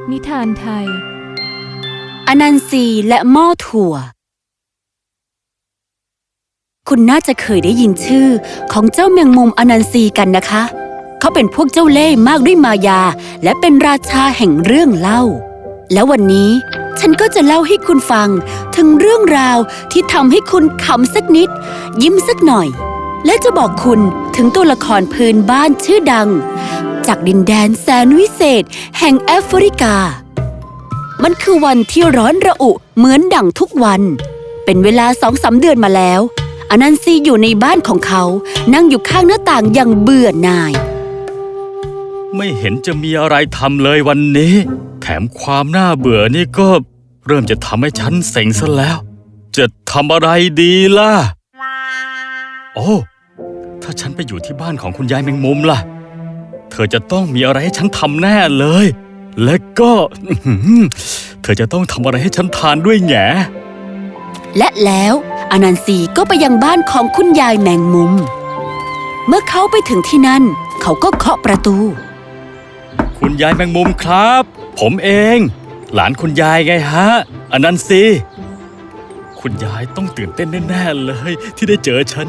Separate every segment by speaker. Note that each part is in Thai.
Speaker 1: นิทานไทย
Speaker 2: อนันซีและหม้อถั่วคุณน่าจะเคยได้ยินชื่อของเจ้าแมงมุมอนันซีกันนะคะเขาเป็นพวกเจ้าเล่ห์มากด้วยมายาและเป็นราชาแห่งเรื่องเล่าแล้ววันนี้ฉันก็จะเล่าให้คุณฟังถึงเรื่องราวที่ทำให้คุณขำสักนิดยิ้มสักหน่อยและจะบอกคุณถึงตัวละครพื้นบ้านชื่อดังจากดินแดนแสนวิเศษแห่งแอฟริกามันคือวันที่ร้อนระอุเหมือนดั่งทุกวันเป็นเวลา2-3 เดือนมาแล้วอนันซีอยู่ในบ้านของเขานั่งอยู่ข้างหน้าต่างอย่างเบื่อหน่าย
Speaker 3: ไม่เห็นจะมีอะไรทำเลยวันนี้แถมความน่าเบื่อนี่ก็เริ่มจะทำให้ฉันเซ็งซะแล้วจะทำอะไรดีล่ะโอ้ถ้าฉันไปอยู่ที่บ้านของคุณยายแมงมุมล่ะเธอจะต้องมีอะไรให้ฉันทำแน่เลยและก็เธอจะต้องทำอะไรให้ฉันทานด้วยแง่
Speaker 2: และแล้วอนันซีก็ไปยังบ้านของคุณยายแมงมุมเมื่อเขาไปถึงที่นั่นเขาก็เคาะประตู
Speaker 3: คุณยายแมงมุมครับผมเองหลานคุณยายไงฮะอนันซีคุณยายต้องตื่นเต้นแน่ๆเลยที่ได้เจอฉัน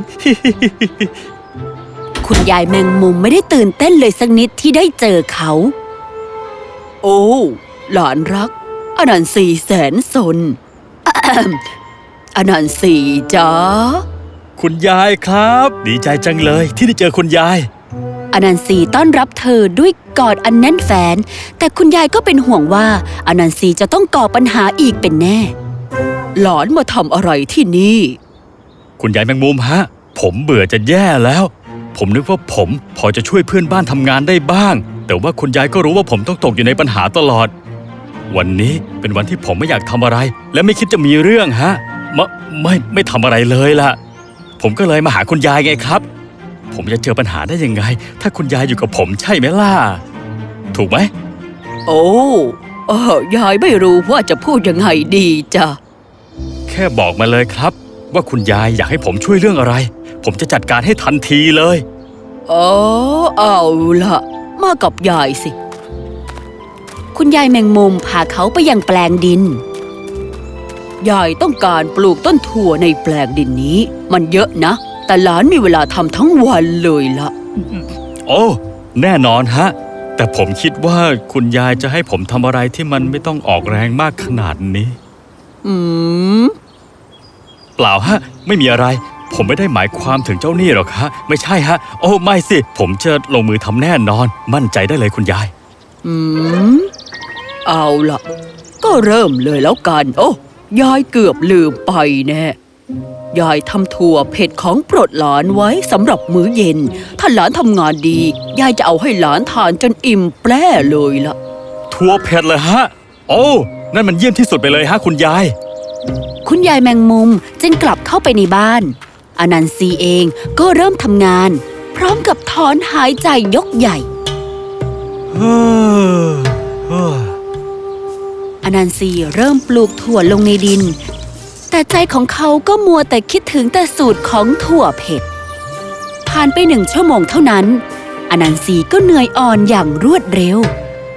Speaker 2: คุณยายแมงมุมไม่ได้ตื่นเต้นเลยสักนิดที่ได้เจอเขาโอ้หลานรักอนันซีแสนสน อนันซีจ๊ะ
Speaker 3: คุณยายครับดีใจจังเลยที่ได้เจอคุณยาย
Speaker 2: อนันซีต้อนรับเธอด้วยกอดอันแน่นแฟ้นแต่คุณยายก็เป็นห่วงว่าอนันซีจะต้องก่อปัญหาอีกเป็นแน่หลานมาทำอะไรที่นี่
Speaker 3: คุณยายแมงมุมฮะผมเบื่อจะแย่แล้วผมนึกว่าผมพอจะช่วยเพื่อนบ้านทำงานได้บ้างแต่ว่าคุณยายก็รู้ว่าผมต้องตกอยู่ในปัญหาตลอดวันนี้เป็นวันที่ผมไม่อยากทำอะไรและไม่คิดจะมีเรื่องฮะไม่ทำอะไรเลยล่ะผมก็เลยมาหาคุณยายไงครับผมจะเจอปัญหาได้ยังไงถ้าคุณยายอยู่กับผมใช่ไหมล่ะถูกไหม
Speaker 2: โอ้ยายไม่รู้ว่าจะพูดยังไงดีจ้ะ
Speaker 3: แค่บอกมาเลยครับว่าคุณยายอยากให้ผมช่วยเรื่องอะไรผมจะจัดการให้ทันทีเลย
Speaker 2: เอาล่ะมากับยายสิคุณยายแมงมุมพาเขาไปยังแปลงดินยายต้องการปลูกต้นถั่วในแปลงดินนี้มันเยอะนะแต่หลานมีเวลาทำทั้งวันเลยล่ะ
Speaker 3: โอ้แน่นอนฮะแต่ผมคิดว่าคุณยายจะให้ผมทำอะไรที่มันไม่ต้องออกแรงมากขนาดนี้เปล่าฮะไม่มีอะไรผมไม่ได้หมายความถึงเจ้านี่หรอกฮะไม่ใช่ฮะโอ้ไม่สิผมจะลงมือทำแน่นอนมั่นใจได้เลยคุณยาย
Speaker 2: เอาล่ะก็เริ่มเลยแล้วกันโอ้ยายเกือบลืมไปแน่ยายทำถั่วเผ็ดของโปรดหลานไว้สำหรับมื้อเย็นถ้าหลานทำงานดียายจะเอาให้หลานทานจนอิ่มแปร่เลยล่ะ
Speaker 3: ถั่วเผ็ดเลยฮะโอ้นั่นมันเยี่ยมที่สุดไปเลยฮะคุณยาย
Speaker 2: คุณยายแมงมุมจึงกลับเข้าไปในบ้านอนันซีเองก็เริ่มทำงานพร้อมกับถอนหายใจยกใหญ่อนันซีเริ่มปลูกถั่วลงในดินแต่ใจของเขาก็มัวแต่คิดถึงแต่สูตรของถั่วเผ็ดผ่านไป1 ชั่วโมงเท่านั้นอนันซีก็เหนื่อยอ่อนอย่างรวดเร็ว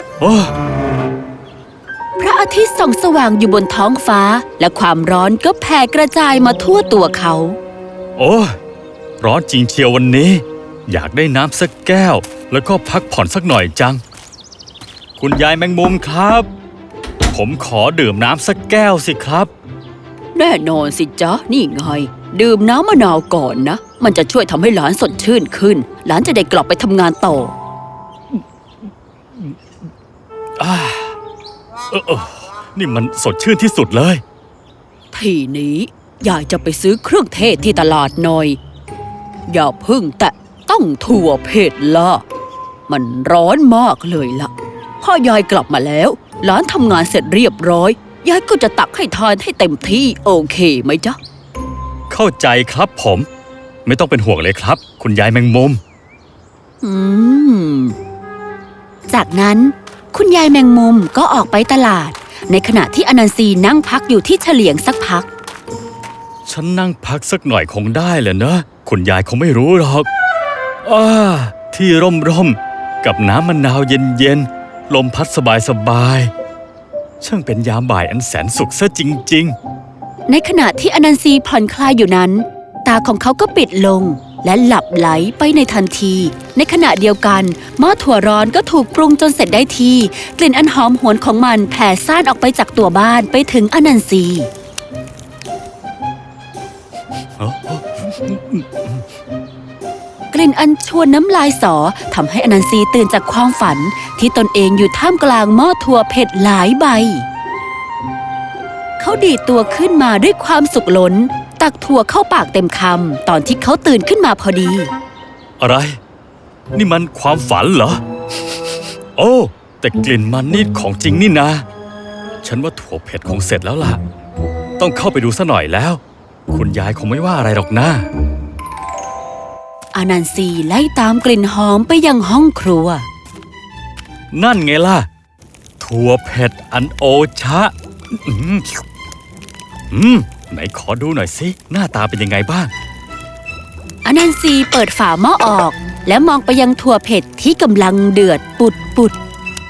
Speaker 2: พระอาทิตย์ส่องสว่างอยู่บนท้องฟ้าและความร้อนก็แผ่กระจายมาทั่วตัวเขา
Speaker 3: โอ้ร้อนจริงเชียววันนี้อยากได้น้ำสักแก้วแล้วก็พักผ่อนสักหน่อยจังคุณยายแมงมุมครับผมขอดื่มน้ำสักแก้วสิครับ
Speaker 2: แน่นอนสิจ๊ะนี่ไงดื่มน้ำมะนาวก่อนนะมันจะช่วยทำให้หลานสดชื่นขึ้นหลานจะได้กลับไปทำงานต่อ
Speaker 3: นี่มันสดชื่นที่สุดเลย
Speaker 2: ทีนี้ยายจะไปซื้อเครื่องเทศที่ตลาดหน่อยอย่าพึ่งแต่ต้องถั่วเผ็ดละมันร้อนมากเลยล่ะพอยายกลับมาแล้วหลานทำงานเสร็จเรียบร้อยยายก็จะตักให้ทานให้เต็มที่โอเคไหมจ๊ะ
Speaker 3: เข้าใจครับผมไม่ต้องเป็นห่วงเลยครับคุณยายแมงมุม
Speaker 2: จากนั้นคุณยายแมงมุมก็ออกไปตลาดในขณะที่อนันซีนั่งพักอยู่ที่เฉลียงสักพัก
Speaker 3: ฉันนั่งพักสักหน่อยคงได้แหละนะคุณยายคงไม่รู้หรอกที่ร่มกับน้ำมะนาวเย็นๆลมพัดสบายช่างเป็นยามบ่ายอันแสนสุขซะจริง
Speaker 2: ในขณะที่อนันซีผ่อนคลายอยู่นั้น ตาของเขาก็ปิดลงและหลับไหลไปในทันที ในขณะเดียวกันหม้อถั่วร้อนก็ถูกปรุงจนเสร็จได้ที่กลิ่นอันหอมหวนของมันแผ่ซ่านออกไปจากตัวบ้านไปถึงอนันซีกลิ่นอันชวนน้ำลายสอทำให้อนันซีตื่นจากความฝันที่ตนเองอยู่ท่ามกลางหม้อถั่วเผ็ดหลายใบเขาดีดตัวขึ้นมาด้วยความสุขล้นตักถั่วเข้าปากเต็มคำตอนที่เขาตื่นขึ้นมาพอดี
Speaker 3: ๆ อะไร นี่มันความฝันเหรอ โอ้แต่กลิ่นมันนี่ของจริงนี่นะฉันว่าถั่วเผ็ดคงเสร็จแล้วล่ะต้องเข้าไปดูซะหน่อยแล้วคุณยายคงไม่ว่าอะไรหรอกนะ
Speaker 2: อานันซีไล่ตามกลิ่นหอมไปยังห้องครัว
Speaker 3: นั่นไงล่ะถั่วเผ็ดอันโอชะไหนขอดูหน่อยสิหน้าตาเป็นยังไงบ้าง
Speaker 2: อานันซีเปิดฝาหม้อออกและมองไปยังถั่วเผ็ดที่กำลังเดือดปุด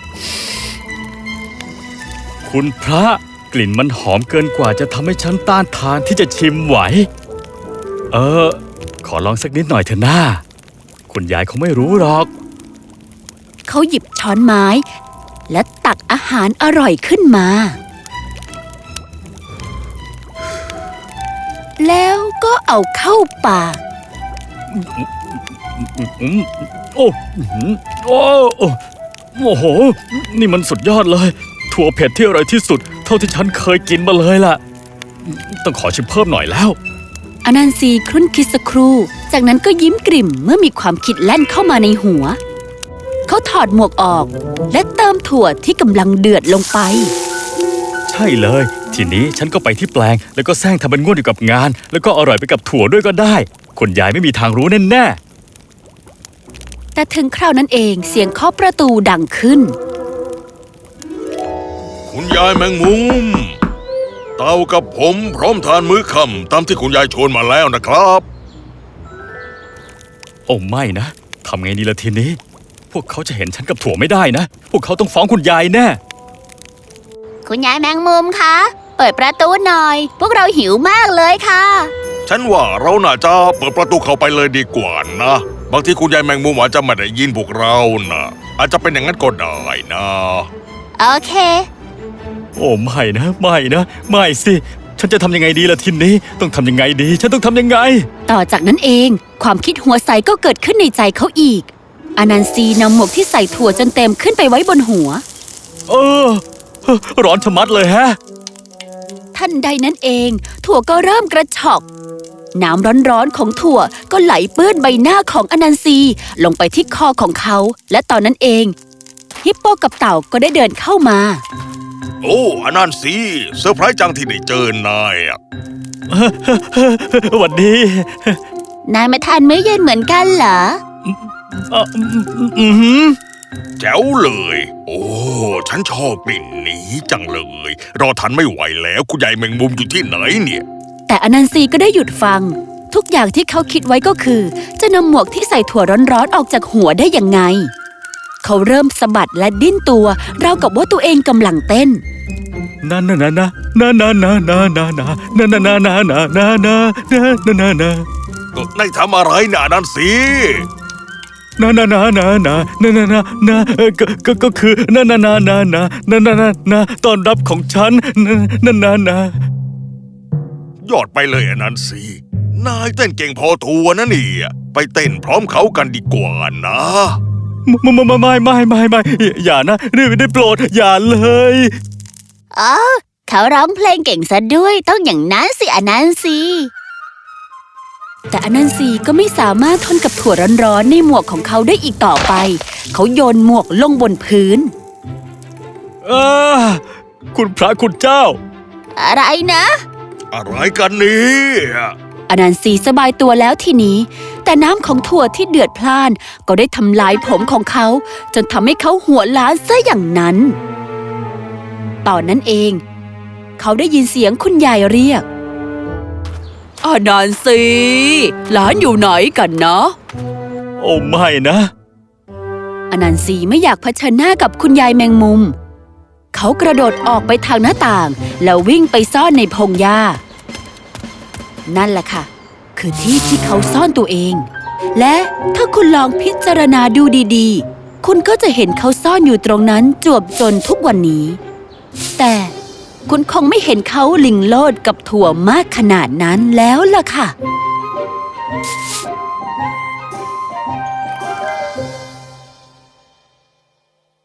Speaker 3: คุณพระกลิ่นมันหอมเกินกว่าจะทำให้ฉันต้านทานที่จะชิมไหวขอลองสักนิดหน่อยเถอะนะคุณยายคงไม่รู้หรอก
Speaker 2: เขาหยิบช้อนไม้และตักอาหารอร่อยขึ้นมาแล้วก็เอาเข้าปาก
Speaker 3: โอ้โหนี่มันสุดยอดเลยถั่วเผ็ดที่อร่อยที่สุดเท่าที่ฉันเคยกินมาเลยล่ะต้องขอชิมเพิ่มหน่อยแล้ว
Speaker 2: อนันซีครุ่นคิดสักครู่จากนั้นก็ยิ้มกริ่มเมื่อมีความคิดแล่นเข้ามาในหัวเขาถอดหมวกออกและเติมถั่วที่กำลังเดือดลงไป
Speaker 3: ใช่เลยทีนี้ฉันก็ไปที่แปลงแล้วก็แซงทำเป็นง่วนอยู่กับงานแล้วก็อร่อยไปกับถั่วด้วยก็ได้คุณยายไม่มีทางรู้แน่
Speaker 2: ๆแต่ถึงคราวนั้นเองเสียงเคาะประตูดังขึ้น
Speaker 1: คุณยายแมงมุมเต่ากับผมพร้อมทานมื้อค่ำตามที่คุณยายชวนมาแล้วนะครับ
Speaker 3: โอ้ไม่นะทำไงดีล่ะทีนี้พวกเขาจะเห็นฉันกับถั่วไม่ได้นะพวกเขาต้องฟ้องคุณยายแน่
Speaker 2: คุณยายแมงมุมคะเปิดประตูหน่อยพวกเราหิวมากเลยค่ะ
Speaker 1: ฉันว่าเราน่าจะเปิดประตูเข้าไปเลยดีกว่านะบางทีคุณยายแมงมุมอาจจะไม่ได้ยินพวกเรานะอาจจะเป็นอย่างนั้นก็ได้นะ
Speaker 2: โอเค
Speaker 3: โอ้ไม่นะไม่สิฉันจะทำยังไงดีล่ะทีนี้ต้องทำยังไงดีฉันต้องทำยังไง
Speaker 2: ต่อจากนั้นเองความคิดหัวใสก็เกิดขึ้นในใจเขาอีกอนันซีนำหมวกที่ใส่ถั่วจนเต็มขึ้นไปไว้บนหัว
Speaker 3: ร้อนชะมัดเลยฮะ
Speaker 2: ทันใดนั้นเองถั่วก็เริ่มกระชอกน้ำร้อนๆของถั่วก็ไหลเปื้อนใบหน้าของอนันซีลงไปที่คอของเขาและตอนนั้นเองฮิปโปกับเต่าก็ได้เดินเข้ามา
Speaker 1: โอ้อนันซีเซอร์ไพรส์จังที่ได้เจอนาย
Speaker 3: หวัดดี
Speaker 2: นายมาทานมื้อเย็นเหมือนกันเหรอ
Speaker 1: แจ๋วเลยโอ้ฉันชอบกลิ่นนี้จังเลยรอทันไม่ไหวแล้วคุณยายแมงมุมอยู่ที่ไหนเนี่ย
Speaker 2: แต่อนันซีก็ได้หยุดฟังทุกอย่างที่เขาคิดไว้ก็คือจะนำหมวกที่ใส่ถั่วร้อนๆออกจากหัวได้ยังไงเขาเริ่มสะบัดและดิ้นตัวราวกับว่าตัวเองกำลังเต้น
Speaker 1: นายทำอะไรนะนั่นสิ
Speaker 3: ก็คือต้อนรับของฉัน
Speaker 1: ยอดไปเลยนั่นสินายเต้นเก่งพอตัวนะนี่ไปเต้นพร้อมเขากันดีกว่านะ
Speaker 3: ไม่อย่านะได้โปรดอย่าเลย
Speaker 2: เขาร้องเพลงเก่งซะด้วยต้องอย่างนั้นสิอนันซีแต่อนันซีก็ไม่สามารถทนกับถั่วร้อนๆในหมวกของเขาได้อีกต่อไปเขาโยนหมวกลงบนพื้น
Speaker 3: คุณพระคุณเจ้า
Speaker 2: อะไรนะ
Speaker 1: อะไรกันเนี่ย
Speaker 2: อนันซีสบายตัวแล้วทีนี้แต่น้ำของถั่วที่เดือดพล่านก็ได้ทำลายผมของเขาจนทำให้เขาหัวล้านซะอย่างนั้นตอนนั้นเองเขาได้ยินเสียงคุณยายเรียกอนันซีหลานอยู่ไหนกันนะ
Speaker 3: โอ้ไม่นะ
Speaker 2: อนันซีไม่อยากเผชิญหน้ากับคุณยายแมงมุมเขากระโดดออกไปทางหน้าต่าง แล้ววิ่งไปซ่อนในพงหญ้านั่นแหละค่ะคือที่ที่เขาซ่อนตัวเองและถ้าคุณลองพิจารณาดูดีๆคุณก็จะเห็นเขาซ่อนอยู่ตรงนั้นจวบจนทุกวันนี้แต่คุณคงไม่เห็นเขาลิงโลดกับถั่วมากขนาดนั้นแล้วล่ะค่ะ